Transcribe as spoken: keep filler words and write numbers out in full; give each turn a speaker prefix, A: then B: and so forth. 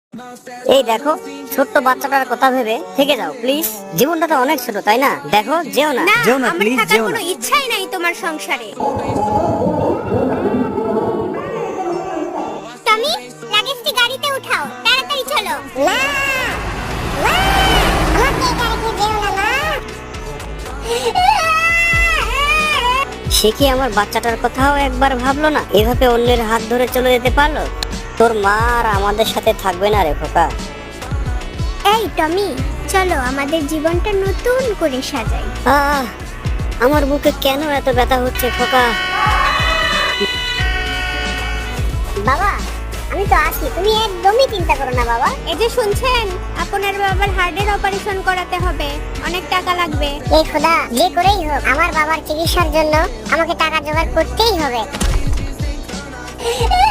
A: এই দেখো, ছোট্ট বাচ্চাটার কথা ভেবে থেকে যাও প্লিজ। জীবনটা তো অনেক ছোট, তাই না? দেখো, যেও না।
B: না,
C: যেও না,
B: আমার
C: please,
B: থাকার
C: যেও না।
B: কোনো ইচ্ছাই নাই তোমার সংসারে।
D: টমি, লাগেজটি গাড়িতে উঠাও, তাড়াতাড়ি চলো। না মা, আমাকে এই গাড়িতে যেও না মা।
A: সে কি আমার বাচ্চাটার কথাও একবার ভাবলো না? এভাবে অন্যের হাত ধরে চলে যেতে পারলো? তোর মা আর আমাদের সাথে থাকবে না রে খোকা।
D: এই টমি, চলো আমাদের জীবনটা নতুন করে সাজাই।
A: আহ, আমার বুকে কেন এত ব্যথা হচ্ছে খোকা?
D: বাবা, আমি তো আছি, তুমি একদমই চিন্তা করো না বাবা।
B: এই যে শুনছেন, আপনার বাবার হার্টের অপারেশন করাতে হবে, অনেক টাকা লাগবে।
D: এই খোদা, যে করেই হোক আমার বাবার চিকিৎসার জন্য আমাকে টাকা জোগাড় করতেই হবে।